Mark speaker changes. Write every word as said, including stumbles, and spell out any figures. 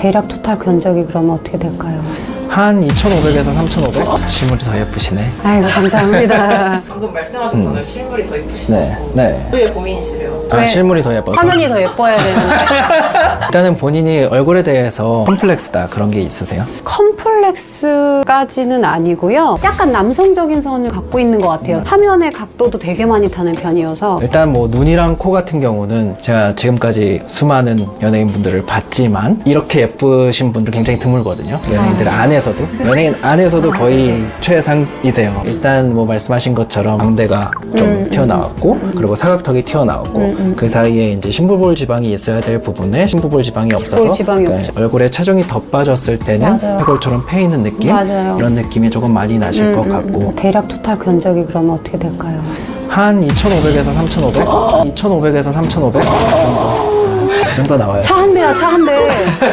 Speaker 1: 대략 토탈 견적이 그러면 어떻게 될까요?
Speaker 2: 한 이천오백에서 삼천오백? 실물이 더 예쁘시네.
Speaker 1: 아이고 감사합니다.
Speaker 3: 방금 말씀하셨잖아요.
Speaker 2: 음.
Speaker 3: 실물이 더 예쁘시다고.
Speaker 2: 네, 네.
Speaker 3: 그게 고민이시래요.
Speaker 2: 아,
Speaker 1: 왜?
Speaker 2: 실물이 더 예뻐서.
Speaker 1: 화면이 더 예뻐야 되는데.
Speaker 2: 일단은 본인이 얼굴에 대해서 컴플렉스다 그런 게 있으세요?
Speaker 1: 컴플렉스까지는 아니고요. 약간 남성적인 선을 갖고 있는 것 같아요. 화면의 각도도 되게 많이 타는 편이어서.
Speaker 2: 일단 뭐 눈이랑 코 같은 경우는 제가 지금까지 수많은 연예인분들을 봤지만 이렇게 예쁘신 분들 굉장히 드물거든요. 연예인들 안에서도. 연예인 안에서도 거의 최상이세요. 일단 뭐 말씀하신 것처럼 광대가 좀
Speaker 1: 음,
Speaker 2: 튀어나왔고
Speaker 1: 음, 음.
Speaker 2: 그리고 사각턱이 튀어나왔고
Speaker 1: 음, 음.
Speaker 2: 그 사이에 이제 심부볼 지방이 있어야 될 부분에 심부볼 지방이 없어서
Speaker 1: 심부볼 지방이
Speaker 2: 네,
Speaker 1: 없죠.
Speaker 2: 얼굴에 체중이 더 빠졌을 때는
Speaker 1: 맞아요.
Speaker 2: 해골처럼 패 있는 느낌?
Speaker 1: 맞아요.
Speaker 2: 이런 느낌이 조금 많이 나실
Speaker 1: 음,
Speaker 2: 것
Speaker 1: 음,
Speaker 2: 같고
Speaker 1: 음. 대략 토탈 견적이 그러면 어떻게 될까요?
Speaker 2: 한 이천오백에서 삼천오백? 이천오백에서 삼천오백? 그 정도, 그 정도 나와요.
Speaker 1: 차 한 대야, 차 한 대.